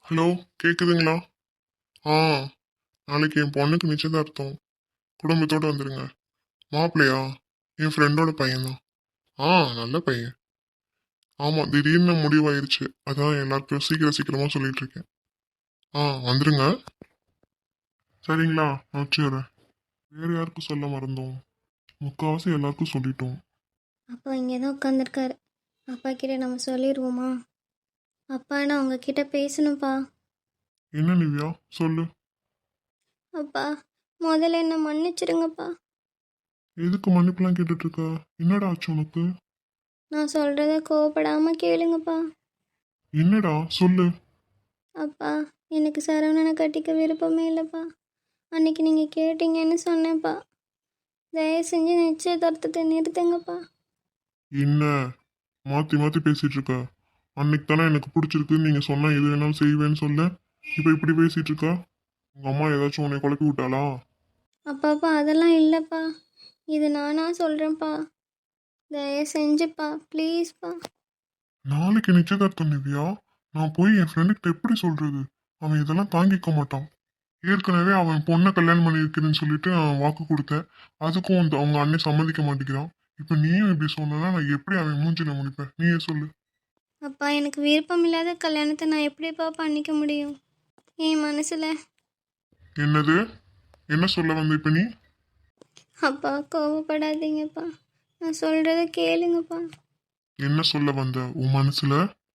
Hello, கேக்குதுங்களா? ஆ, நாளைக்கு என் பொண்ணுக்கு நிச்சயதார்த்தம். குடும்பத்தோட வந்துருங்க. மாப்பிள்ளையா? என் ஃப்ரெண்டோட பையன்தான். ஆ, நல்ல பையன். ஆமா, திடீர்னு முடிவாயிருச்சு. அதான் எல்லாருக்கும் சீக்கிரம் சீக்கிரமா சொல்லிட்டு இருக்கேன். ஆ, வந்துருங்க. சரிங்களா, நான் வச்சுக்கிறேன். வேற யாருக்கும் சொல்ல மறந்தோம்? முக்காவாசி எல்லாருக்கும் சொல்லிட்டோம். அப்பா இங்கே தான் உட்காந்துருக்காரு. அப்பா கிட்ட நம்ம சொல்லிடுவோமா? அப்பா நான் உங்ககிட்ட பேசணும்ப்பா. என்ன நிவ்யா, சொல்லு. அப்பா முதல்ல என்னை மன்னிச்சிடுங்கப்பா. எதுக்கு மன்னிப்புலாம் கேட்டுட்டு இருக்க? என்னடா ஆச்சு உனக்கு? நான் சொல்கிறத கோவப்படாமல் கேளுங்கப்பா. என்னடா சொல்லு. அப்பா எனக்கு சரவணனை கட்டிக்க விருப்பமே இல்லைப்பா. அன்னைக்கு நீங்கள் கேட்டீங்கன்னு சொன்னேன்ப்பா. தயவு செஞ்சு நிச்சயதார்த்தத்தை நிறுத்துங்கப்பா. என்ன மாத்தி மாத்தி பேசிட்டு இருக்க? அன்னைக்கு தானே எனக்கு பிடிச்சிருக்குன்னு நீங்க சொன்னா எது வேணாலும் செய்வேன்னு சொல்ல. இப்ப இப்படி பேசிட்டு இருக்கா? உங்க அம்மா ஏதாச்சும் உன்னை குழப்பி விட்டாளா? அப்பாப்பா அதெல்லாம் இல்லைப்பா. இது நானா சொல்கிறேன்ப்பா. தயவு செஞ்சுப்பா ப்ளீஸ்ப்பா. நாளைக்கு நிச்சயதார்த்தம் நிவ்யா. நான் போய் என் ஃப்ரெண்டுகிட்ட எப்படி சொல்றது? அவன் இதெல்லாம் தாங்கிக்க மாட்டான். ஏற்கனவே அவன் பொண்ணை கல்யாணம் பண்ணியிருக்கிறேன்னு சொல்லிட்டு நான் வாக்கு கொடுத்தேன். அதுக்கும் அவங்க அண்ணன் சம்மதிக்க மாட்டேங்கிறான். இப்ப நீயும் இப்படி சொன்னா நான் எப்படி அவன் மூஞ்சில முடிப்பேன்? நீயே சொல்லு. அப்பா எனக்கு விருப்பம் இல்லாத கல்யாணத்தை நான் எப்படிப்பா பண்ணிக்க முடியும்? என் மனசில். என்னது? என்ன சொல்ல வந்த இப்ப நீ? அப்பா கோவப்படாதீங்கப்பா. நான் சொல்கிறத கேளுங்கப்பா. என்ன சொல்ல வந்த உன் மனசுல?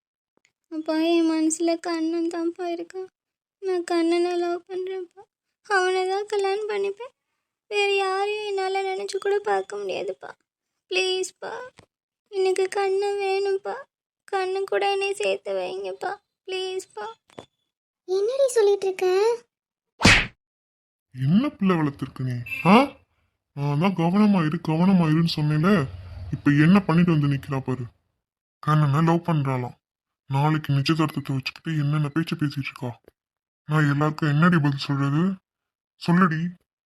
அப்பா என் மனசில் கண்ணன் தான்ப்பா இருக்கான். நான் கண்ணனை லவ் பண்ணுறேன்ப்பா. அவனை தான் கல்யாணம் பண்ணிப்பேன். வேறு யாரையும் என்னால் நினச்சி கூட பார்க்க முடியாதுப்பா. ப்ளீஸ்ப்பா எனக்கு கண்ணன் வேணும்ப்பா. கண்ணு கூட என்னை சேர்த்து வைங்கப்பா. ப்ளீஸ்ப்பா. என்னடி சொல்லிட்டு இருக்க? என்ன பிள்ளை வளர்த்துருக்க நீ? ஆ, நான் தான் கவனமா இருன்னு சொன்னேன்ல. இப்ப என்ன பண்ணிட்டு வந்து நிக்கிறா பாரு. கண்ணனை லவ் பண்றாளாம். நாளைக்கு நிச்சயதார்த்தத்தை வச்சுக்கிட்டு என்னென்ன பேச்சு பேசிட்டு இருக்கா? நான் எல்லாருக்கும் என்னடி பதில் சொல்றது? சொல்லுடி.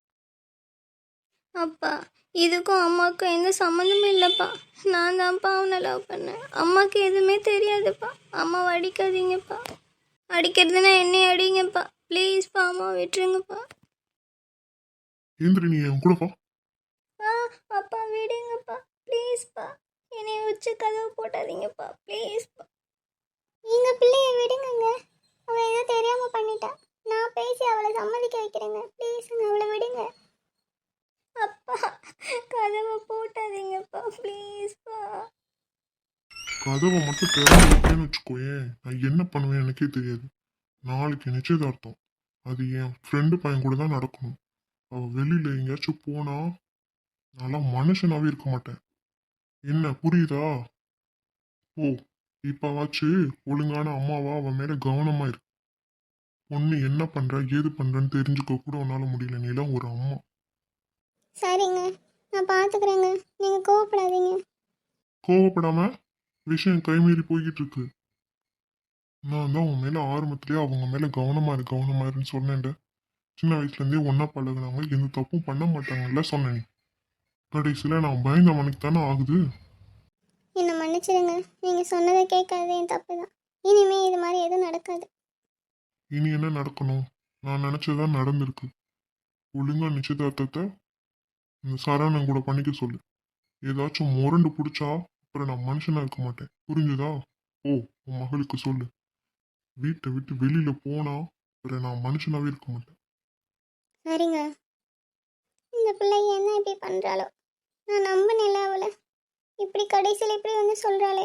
அப்பா இதுக்கும் அம்மாவுக்கும் எந்த சம்மந்தமும் இல்லைப்பா. நான் தான்ப்பா அவனை லவ் பண்ணேன். அம்மாவுக்கு எதுவுமே தெரியாதுப்பா. அம்மாவை அடிக்காதீங்கப்பா. அடிக்கிறதுனா என்னை அடிங்கப்பா. ப்ளீஸ்ப்பா அம்மா விட்டுருங்கப்பா. ஏந்திரி, நீ என் கூட வா. ஆ அப்பா விடுங்கப்பா. ப்ளீஸ்ப்பா என்னை வச்சு கதவு போட்டாதீங்கப்பா. ப்ளீஸ்ப்பா. எங்கள் பிள்ளைய விடுங்கங்க. அவள் ஏதோ தெரியாமல் பண்ணிட்டா. நான் பேசி அவளை சம்மதிக்க வைக்கிறேங்க. ப்ளீஸுங்க அவளை விடுங்க. அப்பா கதவை போட்டாதீங்கப்பா. ப்ளீஸ்ப்பா. கதவை மட்டும் திறந்து விட்டேன்னு வச்சுக்கோயேன், நான் என்ன பண்ணுவேன் எனக்கே தெரியாது. நாளைக்கு நிச்சயதார்த்தம். அது என் ஃப்ரெண்டு பையன் கூட தான் நடக்கணும். அவ வெளியில எங்கேயாச்சும் போனா நான்லாம் மனுஷனாவே இருக்க மாட்டேன். என்ன புரியுதா? ஓ, இப்பவாச்சு ஒழுங்கான அம்மாவா அவன் மேல கவனமா இரு. பொண்ணு என்ன பண்ற ஏது பண்றன்னு தெரிஞ்சுக்க கூட உன்னால முடியல. நீலாம் ஒரு அம்மா. சரிங்க நான் பார்த்துக்கிறேங்க. நீங்கள் கோவப்படாதீங்க. கோவப்படாம விஷயம் கைமீறி போய்கிட்டு இருக்கு. நான் தான் உன் மேல ஆரம்பத்திலேயே அவங்க மேல கவனமா இருன்னு சொன்னேன்ல. சின்ன வயசுல இருந்தே ஒன்னா பழகுனாங்க, எந்த தப்பும் பண்ண மாட்டாங்கல்ல சொன்னேன். கடைசியில நான் பயந்தவனுக்கு தானே ஆகுது. என்னை மன்னிச்சிடுங்க. நீங்கள் சொன்னதை கேட்காதது என் தப்பு தான். இனிமே இது மாதிரி எதுவும் நடக்காது. இனி என்ன நடக்கணும்? நான் நினைச்சதுதான் நடந்திருக்கு. ஒழுங்கா நிச்சயதார்த்தத்தை இந்த சரவணன் கூட பண்ணிக்க சொல்லு. ஏதாச்சும் முரண்டு பிடிச்சா அப்புறம் நான் மனுஷனா இருக்க மாட்டேன். புரிஞ்சுதா? ஓ, உன் மகளுக்கு சொல்லு. வீட்டை விட்டு வெளியில போனா அப்புறம் நான் மனுஷனாவே இருக்க மாட்டேன். சரிங்க. இந்த பிள்ளை என்ன இப்படி பண்ணுறாளோ? நான் நம்பினேன்ல அவளை. இப்படி கடைசியில் இப்படி வந்து சொல்கிறாளே.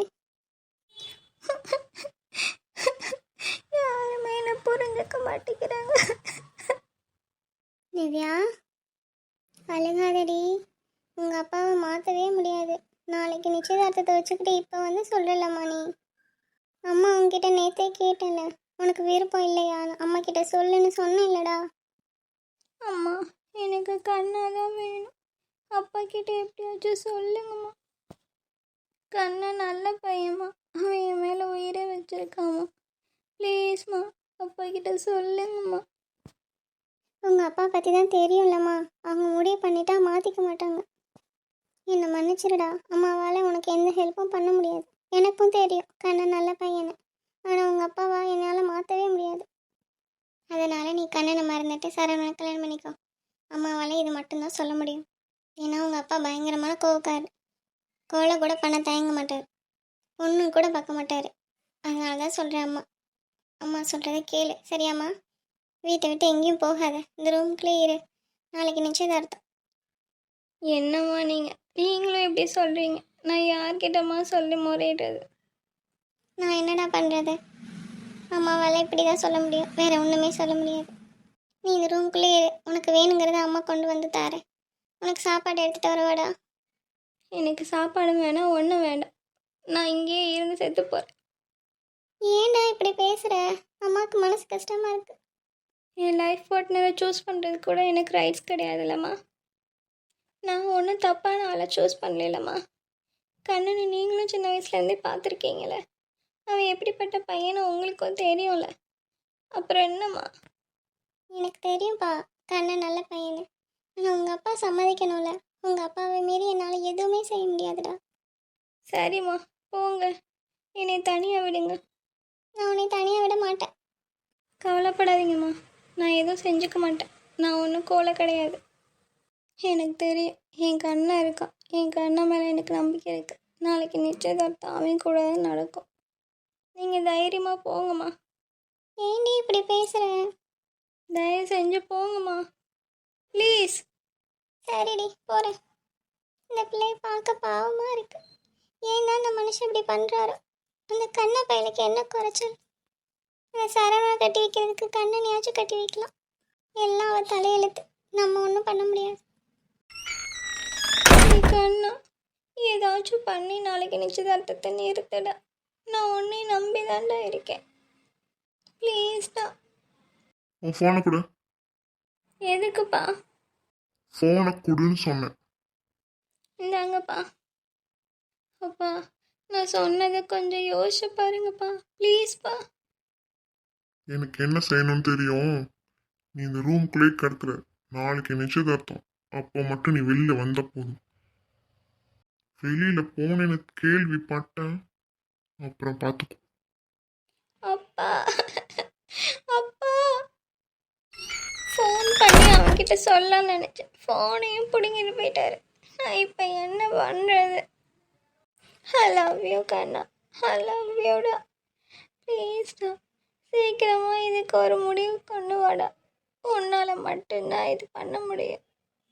யாருமே என்ன புரிஞ்சுக்க மாட்டேங்கிறாங்க. திவ்யா அழுகாதடி. உங்கள் அப்பாவை மாற்றவே முடியாது. நாளைக்கு நிச்சயதார்த்தத்தை வச்சுக்கிட்டு இப்போ வந்து சொல்லலாமா நீ? அம்மா உன்கிட்ட நேற்றே கேட்டேன்ல, உனக்கு விருப்பம் இல்லையா? அம்மா கிட்ட சொல்லுன்னு சொன்னேன் இல்லடா. அம்மா எனக்கு கண்ணா தான் வேணும். அப்பா கிட்ட எப்படியாச்சும் சொல்லுங்கம்மா. கண்ணா நல்ல பையம்மா. அவன் என் மேலே உயிரை வச்சிருக்காம்மா. ப்ளீஸ்மா அப்பா கிட்ட சொல்லுங்கம்மா. உங்கள் அப்பா பற்றி தான் தெரியும்லம்மா. அவங்க முடிவு பண்ணிட்டா மாற்றிக்க மாட்டாங்க. என்னை மன்னிச்சிருடா. அம்மாவால் உனக்கு எந்த ஹெல்ப்பும் பண்ண முடியாது. எனக்கும் தெரியும் கண்ணன் நல்ல பையனை. ஆனால் உங்கள் அப்பாவா என்னால் மாற்றவே முடியாது. அதனால நீ கண்ணனை மறந்துட்டு சரவணனை கல்யாணம் பண்ணிக்கோ. அம்மாவால் இது மட்டும்தான் சொல்ல முடியும். ஏன்னா உங்கள் அப்பா பயங்கரமான கோவக்காரர். கொலை கூட பண்ண தயங்க மாட்டார். பொண்ணு கூட பார்க்க மாட்டார். அதனால தான் சொல்கிறேன் அம்மா. அம்மா சொல்கிறத கேளு சரியாம்மா? வீட்டை விட்டு எங்கேயும் போகாத, இந்த ரூம்குள்ளே இரு. நாளைக்கு நிச்சயதார்த்தம். என்னம்மா நீங்களும் எப்படி சொல்கிறீங்க? நான் யார்கிட்டம்மா சொல்லி முறையிடுறது? நான் என்னடா பண்ணுறது? அம்மாவால் இப்படி தான் சொல்ல முடியும், வேற ஒன்றுமே சொல்ல முடியாது. நீ இந்த ரூம்குள்ளே இரு. உனக்கு வேணுங்கிறத அம்மா கொண்டு வந்து தாரேன். உனக்கு சாப்பாடு எடுத்துகிட்டு வரவாடா? எனக்கு சாப்பாடு வேணாம், ஒன்றும் வேண்டாம். நான் இங்கேயே இருந்து செத்து போகிறேன். ஏன்டா இப்படி பேசுகிற? அம்மாவுக்கு மனசு கஷ்டமாக இருக்கு. என் லைஃப் பார்ட்னரை சூஸ் பண்ணுறது கூட எனக்கு ரைட்ஸ் கிடையாதுல்லம்மா. நான் ஒன்றும் தப்பான ஆளை சூஸ் பண்ணலம்மா. கண்ணனை நீங்களும் சின்ன வயசுலேருந்தே பார்த்துருக்கீங்களே. அவன் எப்படிப்பட்ட பையனை உங்களுக்கும் தெரியும்ல. அப்புறம் என்னம்மா? எனக்கு தெரியும்ப்பா, கண்ணன் நல்ல பையனு. ஆனால் உங்கள் அப்பா சம்மதிக்கணும்ல. உங்கள் அப்பாவை மீறி என்னால் எதுவுமே செய்ய முடியாதுடா. சரிம்மா, போங்க. என்னை தனியாக விடுங்க. நான் உன்னை தனியாக விட மாட்டேன். கவலைப்படாதீங்கம்மா, நான் எதுவும் செஞ்சுக்க மாட்டேன். நான் ஒன்றும் கோலை கிடையாது. எனக்கு தெரியும், என் கண்ணன் இருக்கான். என் கண்ணன் மேலே எனக்கு நம்பிக்கை இருக்குது. நாளைக்கு நிச்சயதார்த்தம் அவன் கூட தான் நடக்கும். நீங்கள் தைரியமாக போங்கம்மா. ஏண்டி இப்படி பேசுகிற? தயவு செஞ்சு போங்கம்மா, ப்ளீஸ். சரிடி, போகிறேன். இந்த பிள்ளையை பார்க்க பாவமாக இருக்கு. ஏன் தான் அந்த மனுஷன் இப்படி பண்ணுறாரோ? அந்த கண்ண பையனுக்கு என்ன குறைச்சல்? அந்த சரவணை கட்டி வைக்கிறதுக்கு கண்ணனையாச்சும் கட்டி வைக்கலாம். எல்லாம் அவள் தலையெழுத்து. நம்ம ஒன்றும் பண்ண முடியாது. கண்ணா, ஏதாச்சும் பண்ணி நாளைக்கு நிச்சயதார்த்தத்தை நிறுத்தடா. நான் உன்னை நம்பி தான்டா இருக்கேன். ப்ளீஸ்டா. உன் ஃபோனை கொடு. எதுக்குப்பா? ஃபோனை கொடுன்னு சொன்னேன். இந்தாங்கப்பா. அப்பா, நான் சொன்னதை கொஞ்சம் யோசிச்சு பாருங்கப்பா, ப்ளீஸ்ப்பா. எனக்கு என்ன செய்யணும்னு தெரியும். நீ இந்த ரூம்குள்ளே கிடக்குற. நாளைக்கு நிச்சயதார்த்தம். அப்போ மட்டும் நீ வெளியில வந்த போதும். வெளியில போனேன்னு கேள்விப்பட்டேன், அப்புறம் பார்த்துக்கோ. அப்பா, அப்பா. ஃபோன் பண்ணி அவன்கிட்ட சொல்ல நினச்சேன். ஃபோனையும் பிடுங்கிட்டு போயிட்டாரு. நான் இப்போ என்ன பண்ணுறது? ஐ லவ் யூ கண்ணா, ஐ லவ் யூடா. ப்ளீஸ்டா, சீக்கிரமாக இதுக்கு ஒரு முடிவு கொண்டு வாடா. உன்னால் மட்டும்தான் இது பண்ண முடியும்.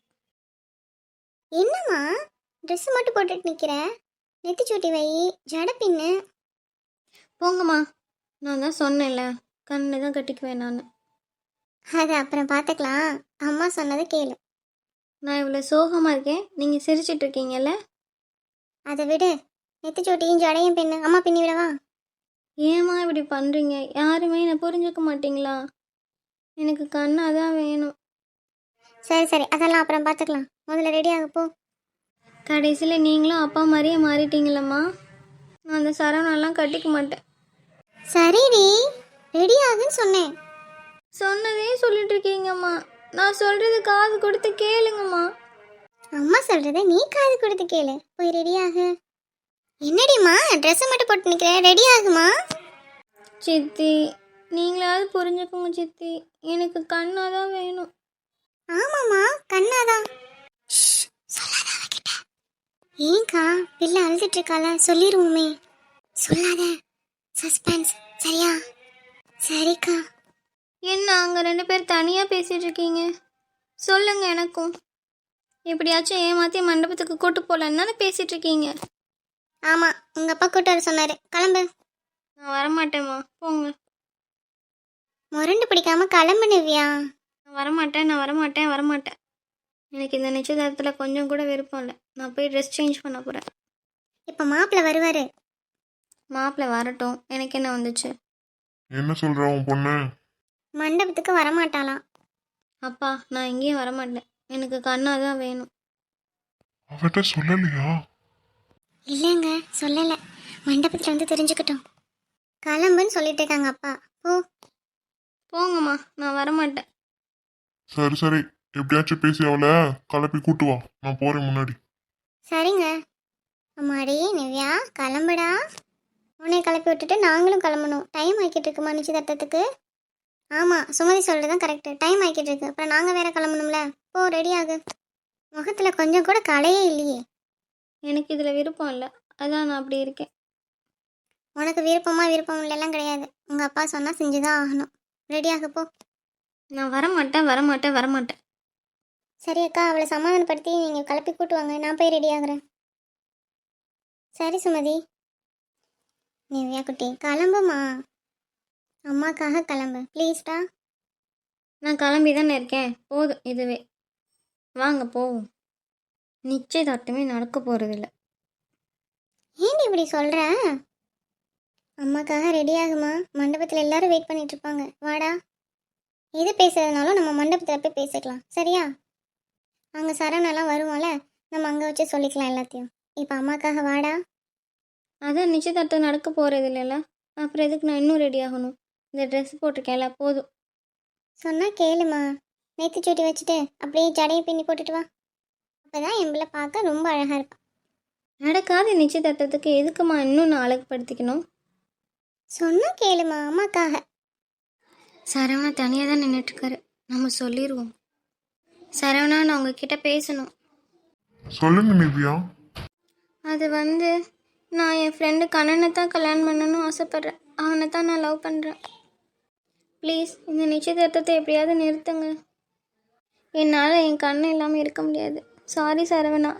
என்னம்மா ட்ரெஸ் மட்டும் போட்டுட்டு நிற்கிற? நெத்திச்சூட்டி வை, ஜட பின்னு. போங்கம்மா, நான் தான் சொன்னேன்ல, கண்ணு தான் கட்டிக்குவேன் நான். அது அப்புறம் பார்த்துக்கலாம். அம்மா சொன்னதை கேளு. நான் இவ்வளோ சோகமாக இருக்கேன், நீங்கள் சிரிச்சிட்டு இருக்கீங்கல்ல? அதை விடு. நெத்திச்சூட்டியும் ஜடையும் பின்னு. அம்மா பின்னி விடவா? ஏம்மா இப்படி பண்ணுறீங்க? யாருமே என்னை புரிஞ்சுக்க மாட்டீங்களா? எனக்கு கண்ணாக தான் வேணும். சரி சரி, அதெல்லாம் அப்புறம் பார்த்துக்கலாம். முதல்ல ரெடி ஆக போ. கடைசியில் நீங்களும் அப்பா மாதிரியே மாறிட்டீங்களம்மா. நான் அந்த சரவணெல்லாம் கட்டிக்க மாட்டேன். சரிடி, ரெடி ஆகுன்னு சொன்னேன். சொன்னதே சொல்லிட்டு இருக்கீங்கம்மா. நான் சொல்கிறது காது கொடுத்து கேளுங்கம்மா. அம்மா சொல்றத நீ காது கொடுத்து கேளு. போய் ரெடி ஆகு. என்னடிம்மா ட்ரெஸ்ஸை மட்டும் போட்டு நிற்கிற? ரெடி ஆகுமா? சித்தி, நீங்களாவது புரிஞ்சுக்கோங்க சித்தி. எனக்கு கண்ணாக தான் வேணும். ஆமாம்மா, கண்ணாதான். ஏங்கா பிள்ளை அழுதுட்டு இருக்கால, சொல்லிடுவோமே. சொல்லாத, சஸ்பென்ஸ். சரியா? சரிக்கா. என்ன அங்கே 2 பேர் தனியாக பேசிகிட்டு இருக்கீங்க? சொல்லுங்க எனக்கும். எப்படியாச்சும் ஏமாற்றி மண்டபத்துக்கு கூட்டு போகலன்னு தானே பேசிகிட்டு இருக்கீங்க. ஆமாம், உங்கள் அப்பா கூட்டு வர சொன்னார். கிளம்பு. நான் வரமாட்டேம்மா, போங்க. முரண்டு பிடிக்காம கிளம்பு நிவ்யா. நான் வரமாட்டேன். எனக்கு இந்த நிச்சயதார்த்தத்தில் கொஞ்சம் கூட விருப்பம் இல்லை. நான் போய் ட்ரெஸ் சேஞ்ச் பண்ண போகிறேன். இப்போ மாப்பிள்ளை வருவார். மாப்பிள்ளை வரட்டும், எனக்கு என்ன வந்துச்சு? என்ன சொல்ற உன் பொண்ணு? மண்டபத்துக்கு வரமாட்டாளாம். அப்பா, நான் எங்கேயும் வரமாட்டேன். எனக்கு கண்ணாக தான் வேணும். அவட்ட சொல்லலையா? இல்லைங்க, சொல்லலை. மண்டபத்தில் வந்து தெரிஞ்சுக்கிட்டோம். கிளம்புன்னு சொல்லிட்டு இருக்காங்க அப்பா. ஓ போங்கம்மா, நான் வரமாட்டேன். சரி சரி, எப்படியாச்சும் பேசி அவளை கிளப்பி கூட்டு வா. நான் போறேன் முன்னாடி. சரிங்க. அம்மாடி நிவ்யா, கிளம்புடா. உன்னை கிளப்பி விட்டுட்டு நாங்களும் கிளம்பணும். டைம் ஆக்கிட்டு இருக்குமா நிச்சயதார்த்தத்துக்கு? ஆமாம் சுமதி சொல்கிறது தான் கரெக்டு. டைம் ஆகிக்கிட்டு இருக்கு. அப்புறம் நாங்கள் வேற கிளம்பணும்ல. போ ரெடி ஆகு. முகத்தில் கொஞ்சம் கூட கலையே இல்லையே. எனக்கு இதில் விருப்பம் இல்லை, அதான் நான் அப்படி இருக்கேன். உனக்கு விருப்பம் இல்லைலாம் கிடையாது. உங்கள் அப்பா சொன்னால் செஞ்சு தான் ஆகணும். ரெடி ஆகு போ. நான் வரமாட்டேன். சரி அக்கா, அவளை சமாதானப்படுத்தி நீங்கள் கிளப்பி கூட்டு வாங்க. நான் போய் ரெடி ஆகுறேன். சரி சுமதி. நிவ்யா குட்டி கிளம்புமா. அம்மாக்காக கிளம்பு ப்ளீஸ்டா. நான் கிளம்பி தானே இருக்கேன், போதும் இதுவே. வாங்க போவோம். நிச்சயதார்த்தமே நடக்க போகிறதில்ல. ஏன்டி இப்படி சொல்கிற? அம்மாக்காக ரெடி ஆகுமா. மண்டபத்தில் எல்லாரும் வெயிட் பண்ணிட்டு இருப்பாங்க. வாடா. எது பேசுறதுனாலும் நம்ம மண்டபத்தில் போய் பேசிக்கலாம், சரியா? அங்கே சரவணெல்லாம் வருவோம்ல, நம்ம அங்கே வச்சு சொல்லிக்கலாம் எல்லாத்தையும். இப்போ அம்மாக்காக வாடா. அதான் நிச்சயதார்த்தம் நடக்க போகிறது இல்லைல்ல, அப்புறம் எதுக்கு நான் இன்னும் ரெடி ஆகணும்? இந்த ட்ரெஸ் போட்டிருக்கேன்ல, போதும். சொன்னால் கேளுமா. நேற்று சூட்டி வச்சுட்டு அப்படியே ஜடையை பின்னி போட்டுட்டு வா. அப்போ தான் என் பிள்ளை பார்க்க ரொம்ப அழகாக இருப்பான். நடக்காத நிச்சயதார்த்தத்துக்கு எதுக்குமா இன்னும் நான் அழகுப்படுத்திக்கணும்? சொன்னால் கேளுமா, அம்மாக்காக. சரவணா தனியாக தான் நின்றுட்டுருக்காரு, நம்ம சொல்லிடுவோம். சரவணா, நான் உங்ககிட்ட பேசணும். சொல்லுங்க நிவ்யா. அது நான் என் ஃப்ரெண்டு கண்ணனை தான் கல்யாணம் பண்ணணும்னு ஆசைப்பட்றேன். அவனை தான் நான் லவ் பண்ணுறேன். ப்ளீஸ் இந்த நிச்சயதார்த்தத்தை எப்படியாவது நிறுத்துங்க. என்னால் என் கண்ணன் இல்லாமல் இருக்க முடியாது. சாரி சரவணா,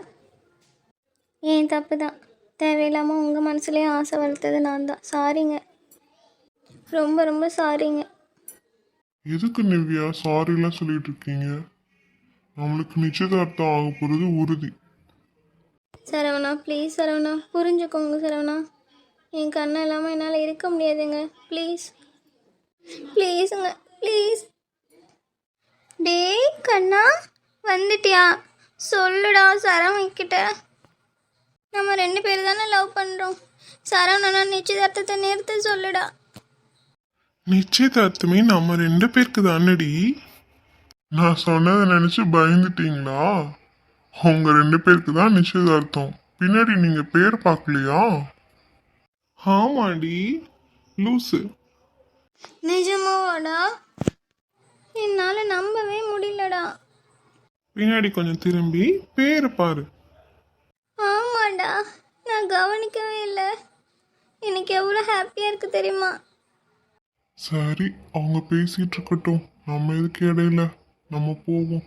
ஏன் தப்பு தான். தேவையில்லாமல் உங்கள் மனசுலேயே ஆசை வளர்த்தது நான் தான். சாரிங்க, ரொம்ப ரொம்ப சாரிங்க. எதுக்கு நிவ்யா சாரிலாம் சொல்லிட்டு இருக்கீங்க? நம்மளுக்கு நிச்சயதார்த்தம் ஆக போகிறது உறுதி. சரவணா ப்ளீஸ் சரவணா, புரிஞ்சுக்கோங்க சரவணா. என் கண்ணன் இல்லாமல் என்னால் இருக்க முடியாதுங்க. ப்ளீஸ் ப்ளீஸுங்க ப்ளீஸ். டேய் கண்ணா, வந்துட்டியா? சொல்லுடா சரவணக்கிட்ட. நம்ம 2 பேர் தானே லவ் பண்ணுறோம். சரவணா நிச்சயதார்த்தத்தை நிறுத்த சொல்லுடா. நிச்சயதார்த்தமே நம்ம 2 பேருக்கு தானடி. நான் சொன்னதை நினைச்சு பயந்துட்டீங்களா? உங்க 2 பேருக்கு தான் நிச்சயதார்த்தம். பின்னாடி நீங்க பேர் பார்க்கலையா? ஆமாடி லூசு. நிஜமாவாடா? என்னால் நம்பவே முடியலடா. பின்னாடி கொஞ்சம் திரும்பி பேர் பாரு. ஆமாடா, நான் கவனிக்கவே இல்லை. எனக்கு எவ்வளோ ஹாப்பியாக இருக்கு தெரியுமா? சரி, அவங்க பேசிட்டு இருக்கட்டும், நம்ம எதுக்கு இடையில, நம்ம போவோம்.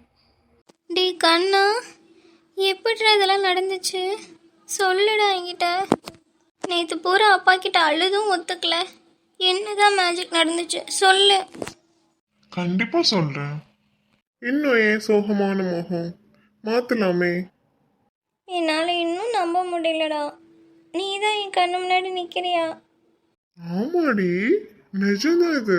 டே கண்ணா, எப்படிடா இதெல்லாம் நடந்துச்சு? சொல்லுடா என்கிட்ட. நேற்று பூரா அப்பா கிட்ட அழுதும் ஒத்துக்கல. என்னதான் மேஜிக் நடந்துச்சு சொல்லு. கண்டிப்பா சொல்றேன். இன்னும் ஏன் சோகமான முகம்? மாத்தலாமே. என்னால் இன்னும் நம்ப முடியலடா. நீ தான் என் கண்ணு முன்னாடி நிற்கிறியா? ஆமாடி, நிஜம்தான் இது.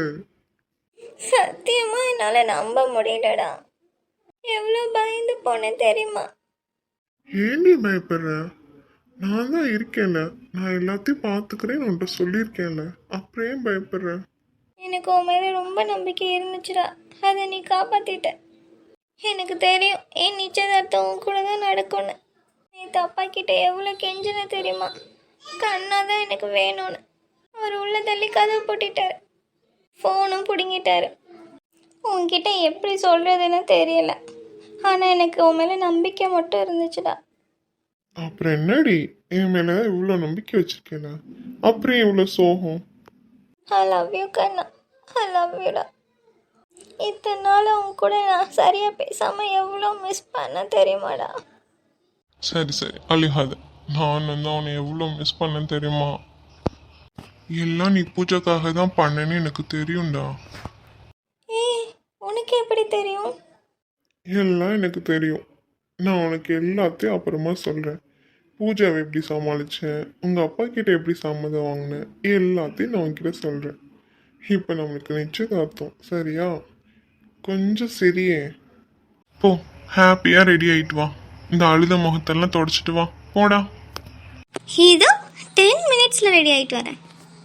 சத்தியமா என்னால் நம்ப முடியலடா. எவ்வளோ பயந்து போனேன் தெரியுமா? ஏண்டி பயப்படுற? நான் தான் இருக்கேன்ல, நான் எல்லாத்தையும் பார்த்துக்கிறேன்னு உன்கிட்ட சொல்லியிருக்கேன்ல, அப்புறம் ஏன் பயப்படுற? எனக்கு உன் மேலே ரொம்ப நம்பிக்கை இருந்துச்சுடா, அதை நீ காப்பாத்திட்ட. எனக்கு தெரியும் என் நிச்சயதார்த்தம் உன் கூட தான் நடக்கும்னு. நேற்று அப்பா கிட்ட எவ்வளோ கெஞ்சின தெரியுமா? கண்ணா தான் எனக்கு வேணும்னு. அவர் உள்ள தள்ளி கதவு போட்டிட்டாரு, ஃபோனும் பிடுங்கிட்டாரு. உன்கிட்ட எப்படி சொல்கிறதுன்னு தெரியல, ஆனால் எனக்கு உன் மேலே நம்பிக்கை மட்டும் இருந்துச்சுடா. அப்புறம் என்னடி, என் மேல இவ்வளோ நம்பிக்கை வச்சிருக்கேல, அப்புறம் இவ்வளோ சோகம்? ஐ லவ் யூ கண்ணா, ஐ லவ் யூடா. இத்தனை நாள் அவங்க கூட நான் சரியாக பேசாமல் எவ்வளோ மிஸ் பண்ண தெரியுமாடா? சரி சரி அழுகாத. நான் அவனை எவ்வளோ மிஸ் பண்ணேன் தெரியுமா? எல்லாம் நீ பூஜைக்காக தான் பண்ணேன்னு எனக்கு தெரியும்டா. ஏய், உனக்கு எப்படி தெரியும்? எல்லாம் எனக்கு தெரியும். நான் உனக்கு எல்லாத்தையும் அப்புறமா சொல்கிறேன். பூஜாவை எப்படி சமாளித்தேன், உங்கள் அப்பா கிட்ட எப்படி சம்மதம் வாங்கினேன், எல்லாத்தையும் நான் உன்கிட்ட சொல்கிறேன். இப்போ நம்மளுக்கு நிச்சயதார்த்தம், சரியா? கொஞ்சம் சரியே. போ, ஹாப்பியாக ரெடி ஆகிட்டு வா. இந்த அழுத முகத்தெல்லாம் தொடச்சிட்டு வா, போடா. இதோ 10 மினிட்ஸில் ரெடி ஆகிட்டு வரேன்.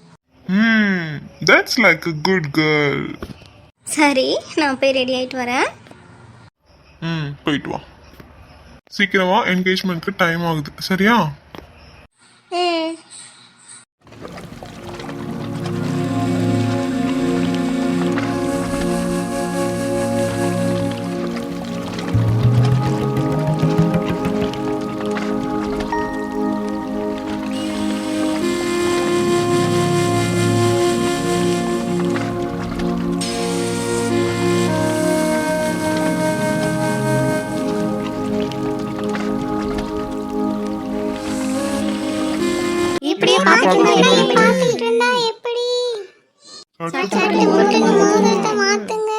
That's like a good girl. சரி, நான் போய் ரெடி ஆகிட்டு வரேன். போயிட்டு வா. சீக்கிரமா, என்கேஜ்மெண்ட்க்கு டைம் ஆகுது, சரியா? ம். பார்த்துட்டு இருந்தா எப்படி? சட்டு புட்டுன்னு மோதிரத்தை மாத்துங்க.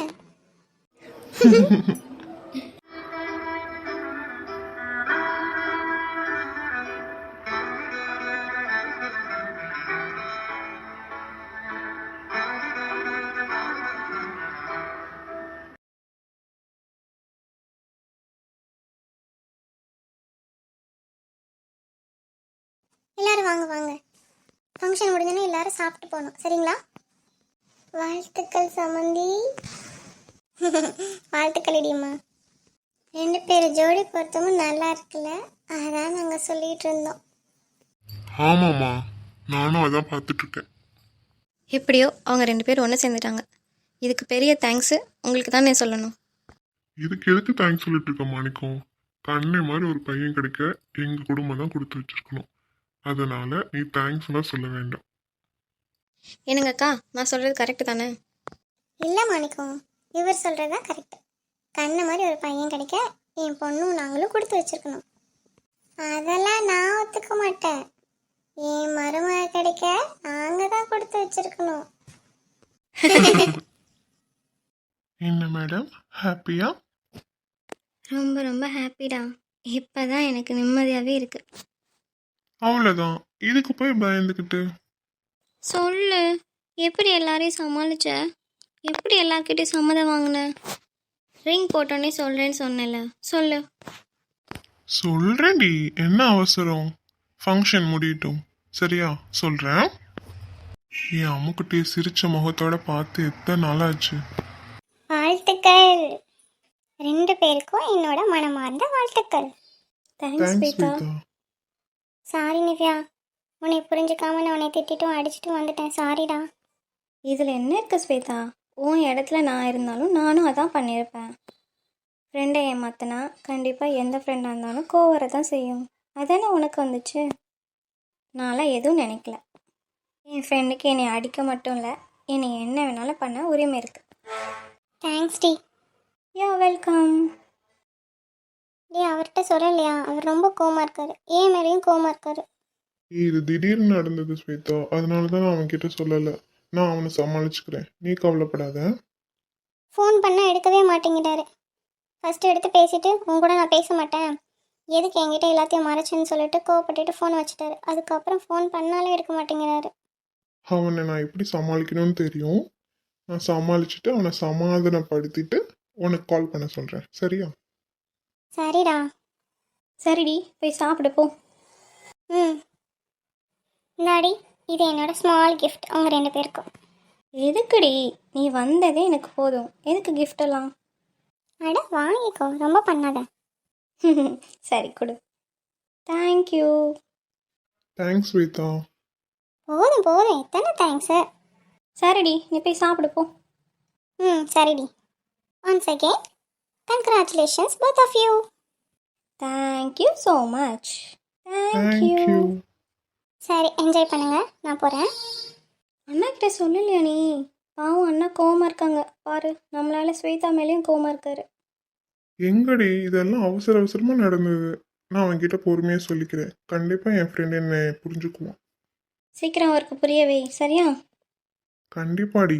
எல்லாரும் வாங்க வாங்க. ஃபங்க்ஷன் முடிஞ்சோன்னே எல்லாரும் சாப்பிட்டு போகணும், சரிங்களா? வாழ்த்துக்கள் சமந்தி. வாழ்த்துக்கள் இடியம்மா. 2 பேர் ஜோடி பொருத்தமும் நல்லா இருக்குல்ல, அதான் நாங்கள் சொல்லிட்டு இருந்தோம். ஆமாம்மா, நானும் அதான் பார்த்துட்டு இருக்கேன். எப்படியோ அவங்க 2 பேரும் ஒன்று சேர்ந்துட்டாங்க. இதுக்கு பெரிய தேங்க்ஸு உங்களுக்கு தான் நான் சொல்லணும். இதுக்கு எதுக்கு தேங்க்ஸ் சொல்லிட்டு இருக்க மாணிக்கம்? கண்ணே மாதிரி ஒரு பையன் கிடைக்க எங்கள் குடும்பம் தான் கொடுத்து வச்சிருக்கணும். அதனால நீ தேங்க்ஸ்லாம் சொல்ல வேண்டாம். என்னங்கக்கா, நான் சொல்கிறது கரெக்டு தானே? இல்லை மாணிக்கம், இவர் சொல்கிறதா கரெக்டு. கண்ணை மாதிரி ஒரு பையன் கிடைக்க என் பொண்ணும் நாங்களும் கொடுத்து வச்சிருக்கணும். அதெல்லாம் நான் ஒத்துக்க மாட்டேன். என் மருமக கிடைக்க நாங்கள் தான் கொடுத்து வச்சிருக்கணும். என்ன மேடம், ஹாப்பியா? ரொம்ப ரொம்ப ஹாப்பிடா. இப்போ தான் எனக்கு நிம்மதியாகவே இருக்குது. அவ்வளோதான், இதுக்கு போய் பயந்துக்கிட்டு. சொல்லு, எப்படி எல்லாரையும் சமாளிச்ச? எப்படி எல்லார்கிட்டையும் சம்மதம் வாங்கின? ரிங் போட்டோன்னே சொல்கிறேன்னு சொன்னல, சொல்லு. சொல்றேன்டி, என்ன அவசரம்? ஃபங்க்ஷன் முடியட்டும், சரியா? சொல்றேன். என் அம்முக்குட்டியை சிரிச்ச முகத்தோட பார்த்து எத்தனை நாளாச்சு. வாழ்த்துக்கள் 2 பேருக்கும் என்னோட மனமார்ந்த வாழ்த்துக்கள். Thanks thanks Shweta. Shweta. Sorry Nivya, உன்னை புரிஞ்சுக்காம நான் உன்னை திட்டிட்டும் அடிச்சிட்டும் வந்துட்டேன். சாரிடா. இதில் என்ன இருக்குது ஸ்வேதா? உன் இடத்துல நான் இருந்தாலும் நானும் அதான் பண்ணியிருப்பேன். ஃப்ரெண்டை ஏமாத்தினா கண்டிப்பாக எந்த ஃப்ரெண்டாக இருந்தாலும் கோவரை தான் செய்யும். அதானே உனக்கு வந்துச்சு. நான்லாம் எதுவும் நினைக்கல. என் ஃப்ரெண்டுக்கு என்னை அடிக்க மட்டும் இல்லை, என்னை என்ன வேணாலும் பண்ண உரிமை இருக்குது. தேங்க்ஸ் டி. Yeah welcome. டே, அவர்கிட்ட சொல்லலையா? அவர் ரொம்ப கோவமா இருக்காரு. ஏன் மேலேயும் கோவமா இருக்காரு. இது திடீர்னு நடந்தது ஸ்வேதா, அதனால தான் நான் அவன்கிட்ட சொல்லலை. நான் அவனை சமாளிச்சுக்கிறேன், நீ கவலைப்படாத. ஃபோன் பண்ணால் எடுக்கவே மாட்டேங்கிறாரு. ஃபஸ்ட்டு எடுத்து பேசிட்டு உன் கூட நான் பேச மாட்டேன், எதுக்கு என்கிட்ட எல்லாத்தையும் மறைச்சுன்னு சொல்லிட்டு கோவப்பட்டுட்டு ஃபோன் வச்சுட்டாரு. அதுக்கப்புறம் ஃபோன் பண்ணாலே எடுக்க மாட்டேங்கிறாரு. அவனை நான் எப்படி சமாளிக்கணும்னு தெரியும். நான் சமாளிச்சுட்டு அவனை சமாதானப்படுத்திட்டு உனக்கு கால் பண்ண சொல்கிறேன், சரியா? சரிடா. சரிடி, போய் சாப்பிடு போ. ம், இந்தாடி, இது என்னோட ஸ்மால் கிஃப்ட் அவங்க 2 பேருக்கும். எதுக்குடி? நீ வந்ததே எனக்கு போதும், எதுக்கு gift எல்லாம்? அட வாங்கிக்கோ, ரொம்ப பண்ணாத. சரி கொடு. தேங்க்யூ. தேங்க்ஸ் ஸ்வேதா. போதும் போதும், எத்தனை தேங்க்ஸு. சரிடி, நீ போய் சாப்பிடு போ. ம், சரிடி. Once again congratulations both of you. Thank you so much. Thank you. Thank you. சரி, என்ஜாய் பண்ணுங்க, நான் போகிறேன். அண்ணா கிட்ட சொல்லலையா நீ? பாவம், அண்ணா கோவமா இருக்காங்க பாரு. நம்மளால ஸ்வேதா மேலேயும் கோவமா இருக்காரு. எங்கடி, இதெல்லாம் அவசர அவசரமாக நடந்தது. நான் அவன்கிட்ட பொறுமையாக சொல்லிக்கிறேன். கண்டிப்பாக என் ஃப்ரெண்ட் என்னை புரிஞ்சுக்குவான். சீக்கிரம் அவருக்கு புரியவே, சரியா? கண்டிப்பாடி.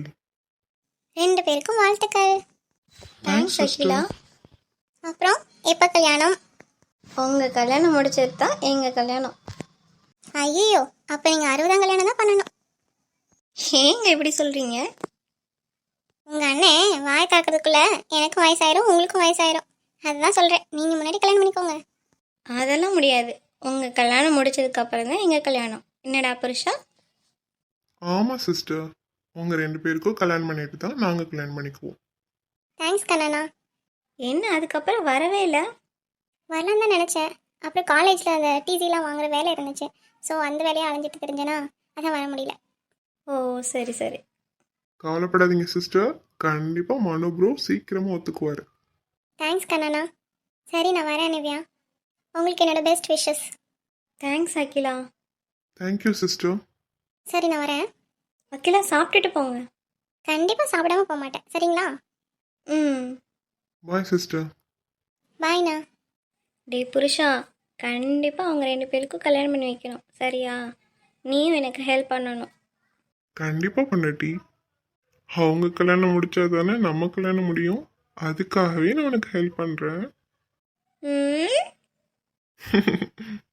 2 பேருக்கும் வாழ்த்துக்கள். தேங்க்ஸ் அகிலா. அப்புறம் எப்போ கல்யாணம்? உங்கள் கல்யாணம் முடிச்சது தான் எங்கள் கல்யாணம். ஐயோ, அப்போ நீங்கள் 60ஆம் கல்யாணம் தான் பண்ணணும். ஏங்க இப்படி சொல்கிறீங்க? உங்கள் அண்ணன் வாய் திறக்கிறதுக்குள்ள எனக்கும் வயசாயிரும் உங்களுக்கும் வயசாயிரும். அதுதான் சொல்கிறேன், நீங்கள் முன்னாடி கல்யாணம் பண்ணிக்கோங்க. அதெல்லாம் முடியாது. உங்கள் கல்யாணம் முடிச்சதுக்கு அப்புறம் தான் எங்கள் கல்யாணம். என்னடா புருஷா? ஆமாம் சிஸ்டர், உங்கள் 2 பேருக்கும் கல்யாணம் பண்ணிட்டு தான் நாங்கள் கல்யாணம் பண்ணிக்குவோம். தேங்க்ஸ் கண்ணனா. என்ன அதுக்கப்புறம் வரவே இல்லை? வரலாம் தான் நினச்சேன். அப்புறம் காலேஜில் அந்த டிசிலாம் வாங்குற வேலை இருந்துச்சு. ஸோ அந்த வேலையை அலைஞ்சிட்டு தெரிஞ்சேனா, அதான் வர முடியல. ஓ சரி சரி. கவலைப்படாதீங்க சிஸ்டர், கண்டிப்பாக மனு ப்ரோ சீக்கிரமாக ஒத்துக்குவார். தேங்க்ஸ் கண்ணனா. சரி, நான் வரேன் நிவ்யா. உங்களுக்கு என்னோட best wishes. Thanks Akila. Thank you sister. சரி, நான் வரேன். அகிலா சாப்பிட்டுட்டு போங்க. கண்டிப்பாக சாப்பிடாம போக மாட்டேன், சரிங்களா? ம். Bye sister. பாய்ண்ணா. டே புருஷா, கண்டிப்பாக அவங்க 2 பேருக்கும் கல்யாணம் பண்ணி வைக்கணும், சரியா? நீயும் எனக்கு ஹெல்ப் பண்ணணும். கண்டிப்பா பொண்டாட்டி. அவங்க கல்யாணம் முடிச்சா தானே நம்ம கல்யாணம் முடியும். அதுக்காகவே நான் உனக்கு ஹெல்ப் பண்றேன். ம்